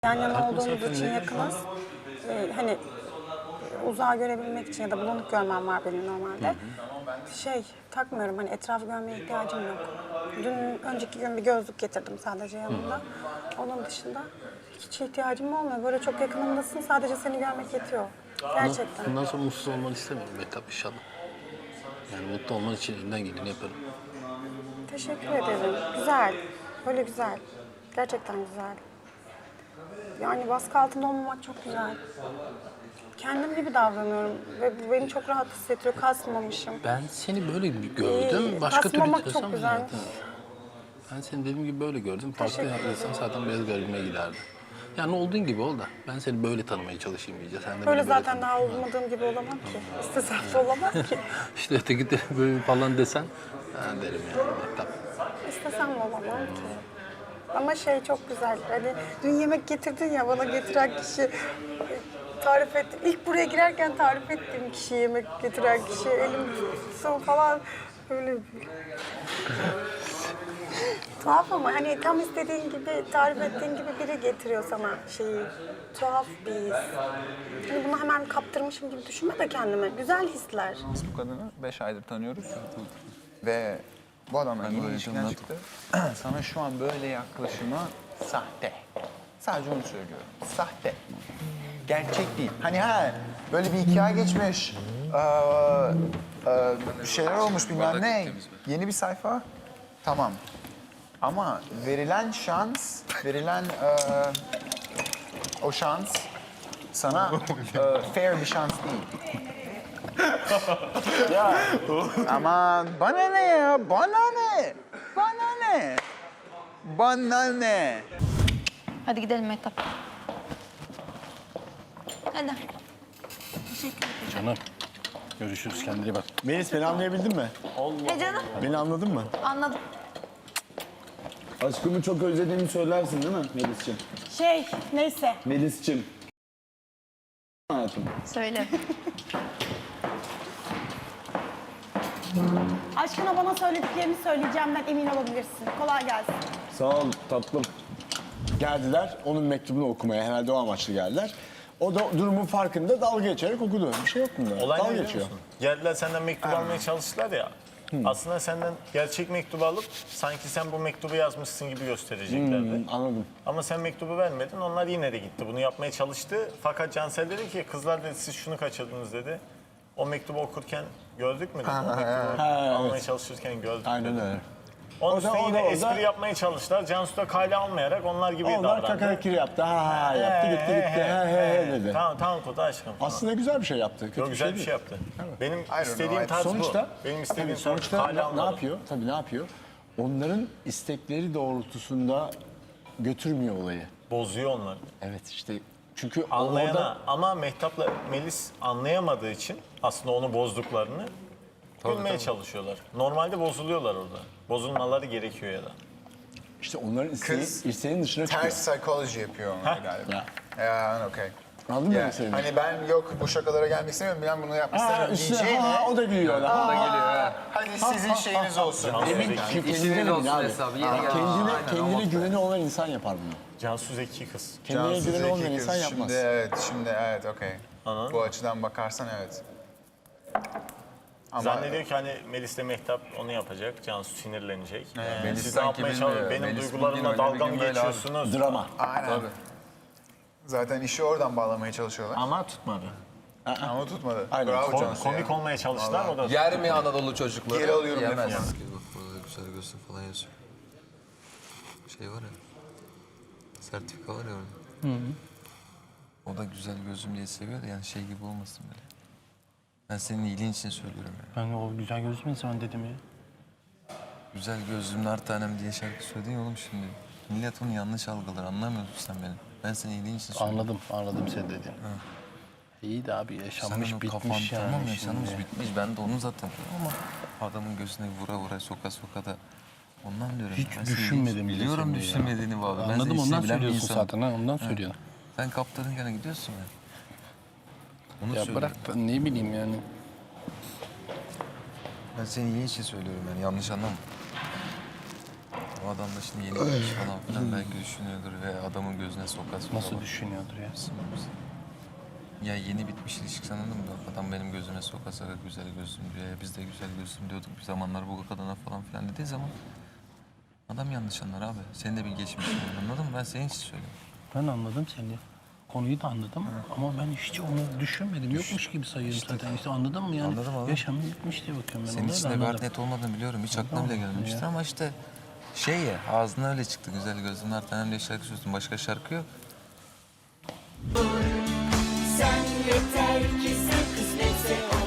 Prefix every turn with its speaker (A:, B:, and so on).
A: Yan yana olduğumuz için yakınız. Hani uzağa görebilmek için ya da bulanık görmem var benim normalde. Takmıyorum, hani etrafı görmeye ihtiyacım yok. Önceki gün bir gözlük getirdim sadece yanımda. Onun dışında hiç ihtiyacım olmuyor. Böyle çok yakınımdasın, sadece seni görmek yetiyor. Gerçekten.
B: Bundan sonra mutsuz olmanı istemiyorum Mehtap inşallah. Yani mutlu olman için elimden geleni yaparım.
A: Teşekkür ederim. Güzel. Böyle güzel. Gerçekten güzel. Yani baskı altında olmamak çok güzel. Kendim gibi davranıyorum ve bu beni çok rahat hissettiriyor. Kasmamışım.
B: Ben seni böyle gördüm. Başka türlü
A: Kasmamak
B: desem
A: çok güzel.
B: zaten. Ben seni dediğim gibi böyle gördüm. Farklı insan zaten biraz garibime giderdi. Yani olduğun gibi ol da ben seni böyle tanımaya çalışayım iyice. Sen de
A: Böyle
B: beni
A: zaten
B: tanı.
A: daha olmadığım gibi olamam ki. İstesem de olamam ki.
B: İşte öteki de böyle falan desen ben derim yani Mehtap.
A: İstesem de olamam ki. Ama çok güzel. Hani dün yemek getirdin ya, bana getiren kişi tarif etti. İlk buraya girerken tarif ettiğim kişi, yemek getiren kişi, elim tutsun falan böyle. Tuhaf ama hani tam istediğin gibi, tarif ettiğin gibi biri getiriyor sana şeyi. Tuhaf bir his. Hani bunu hemen kaptırmışım gibi düşünme de kendime. Güzel hisler.
C: Biz bu kadını 5 aydır tanıyoruz. Ve bu adamla yeni ilişkiden çıktı. Sana şu an böyle yaklaşımı sahte. Sadece onu söylüyorum. Sahte. Gerçek değil. Hani böyle bir 2 ay geçmiş. Bir şeyler olmuş bilmem ne. Yeni bir sayfa. Tamam. Ama verilen şans, o şans sana fair bir şans değil. Ya aman bana ne ya? Bana ne? Bana ne? Bana ne?
D: Hadi gidelim Mehtap. Hadi.
B: Canım görüşürüz, kendine iyi bak.
E: Melis, beni anlayabildin mi?
D: Canım.
E: Beni anladın mı?
D: Anladım.
E: Aşkımı çok özlediğimi söylersin değil mi Melis'ciğim?
A: Neyse.
E: Melis'ciğim. Hayatım.
D: Söyle.
A: Aşkına bana söylediklerini söyleyeceğimden emin olabilirsin. Kolay gelsin.
E: Sağ ol tatlım. Geldiler, onun mektubunu okumaya. Herhalde o amaçlı geldiler. O da durumun farkında dalga geçerek okudu. Bir şey yok bunda.
F: Olay ne
E: dalga
F: biliyor
E: geçiyor.
F: musun? Geldiler senden mektup almaya çalıştılar ya. Aslında senden gerçek mektubu alıp sanki sen bu mektubu yazmışsın gibi göstereceklerdi.
E: Anladım.
F: Ama sen mektubu vermedin, onlar yine de gitti. Bunu yapmaya çalıştı. Fakat Cansel dedi ki, kızlar dedi siz şunu kaçırdınız dedi. O mektubu okurken gördük mü dedi. O mektubu almaya çalışırken gördük
E: Aynen
F: dedi.
E: öyle.
F: Onun
E: O da-
F: üstüne
E: o da-
F: yine
E: o da-
F: espri yapmaya çalıştılar. Cansu da kale almayarak onlar gibi
E: Onlar
F: davrandı.
E: kakarakiri yaptı. Ha yaptı, gitti. He dedi.
F: Tamam Kutu aşkım. Falan.
E: Aslında güzel bir şey yaptı. Kötü
F: Çok güzel bir
E: değil.
F: şey yaptı. Benim
C: know,
F: istediğim
C: I-
F: tarz
E: Sonuçta,
F: bu. Benim istediğim
E: tabii
F: tarz
E: sonuçta
F: kale
E: ne
F: almadım.
E: yapıyor? Tabii ne yapıyor? Onların istekleri doğrultusunda götürmüyor olayı.
F: Bozuyor onları.
E: Evet işte çünkü
F: Anlayana
E: orada
F: ama Mehtap'la Melis anlayamadığı için aslında onu bozduklarını gülmeye çalışıyorlar. Normalde bozuluyorlar orada. Bozulmaları gerekiyor ya da.
E: işte onların
C: Kız
E: isteğinin dışına çıkıyor.
C: Ters psikoloji yapıyor onlar galiba.
E: Ya.
C: Okey.
E: Anladın mı
C: Ya,
E: demek istediğimi?
C: hani ben yok bu şakalara gelmek istemiyorum, ben bunu yapmak istemiyorum diyeceğine.
E: O da gülüyor. O da gülüyor.
C: Hadi sizin şeyiniz olsun.
E: Emin kendine
G: olsun
E: abi.
G: hesabı, yeni geldi.
E: Kendine güveni olan insan yapar bunu.
F: Cansu zeki kız.
E: Kendine
C: Cansu
E: güveni
C: Zeki
E: olmayan
C: kız.
E: insan yapmaz.
C: Şimdi evet, okey.
F: Anladın
C: Bu açıdan bakarsan evet. Ama
F: Zannediyor ki hani Melis'le Mehtap onu yapacak. Cansu sinirlenecek.
G: Melis
F: Siz ne
G: sanki
F: yapmaya
G: bilmiyor.
F: çalışıyorsunuz? Benim
G: Melis
F: duygularımla
G: bugün öyle,
F: dalga
G: bir
F: mı
G: gün böyle abi.
F: geçiyorsunuz?
E: Drama.
C: aynen. Zaten işi oradan bağlamaya çalışıyorlar.
F: Ama tutmadı.
C: Ama tutmadı.
E: Aynen.
C: Bravo Cansu ya.
F: Komik olmaya çalıştılar o da.
G: Yer mi Anadolu çocukları?
C: Geri alıyorum
G: Yemez.
C: lafımı.
H: Bak burada güzel gözlü falan yazıyor. Şey var ya. Sertifika var ya orada. O da güzel gözlüm diye seviyor da yani şey gibi olmasın böyle. Ben senin iyiliğin için söylüyorum ya.
B: Ben o güzel gözlü insan dedim ya.
H: Güzel gözlüm nar tanem diye şarkı söyledin ya oğlum şimdi. Millet onu yanlış algılar, anlamıyorsun sen beni. Ben senin iyiliğin için söylüyorum.
B: Anladım sen dediğini. İyi de abi yaşanmış
H: Senin o
B: bitmiş
H: kafan
B: yani
H: tamam yaşanmış
B: şimdi.
H: bitmiş. Ben de onu zaten diyorum ama adamın gözüne vura vura soka da ondan diyorum.
B: Hiç
H: Ben senin
B: düşünmedim bile
H: Biliyorum
B: seni ya.
H: düşünmediğini abi. Ben
B: Anladım
H: senin
B: ondan
H: işini bilen bir
B: söylüyorsun
H: insanım.
B: zaten ha ondan söylüyorsun.
H: Sen kaptanın gene gidiyorsun ya. Onu
B: Ya
H: söylüyorum.
B: bırak da ne bileyim yani.
H: Ben senin iyi için söylüyorum yani yanlış anlama. O adam da şimdi yeni gitmiş falan filan belki düşünüyordur ve adamın gözüne sokasın.
B: Nasıl düşünüyordur ya?
H: Ya yeni bitmiş ilişki anladın mı? Adam benim gözüme sokasa güzel gözlüm diyor. Ya biz de güzel gözlüm diyorduk bir zamanlar bu kadına falan filan dediği zaman adam yanlış anlar abi. Senin de bir geçmişin var, anladın mı? Ben senin için söylüyorum.
B: Ben anladım seni. Konuyu da anladım ama ben hiç onu düşünmedim. Yokmuş gibi sayıyorum zaten. İşte anladın mı yani?
H: Anladım.
B: Yaşamı bitmiş diye bakıyorum ben.
H: Senin
B: ona
H: için
B: da
H: de bir
B: anladım.
H: art net olmadığını biliyorum. Hiç aklına bile gelmemiştir ama işte şey ya ağzına öyle çıktı güzel gözlüm. Her tane öyle şarkı söylüyorsun. Başka şarkı yok.
G: Sen yeter ki sen kısmetse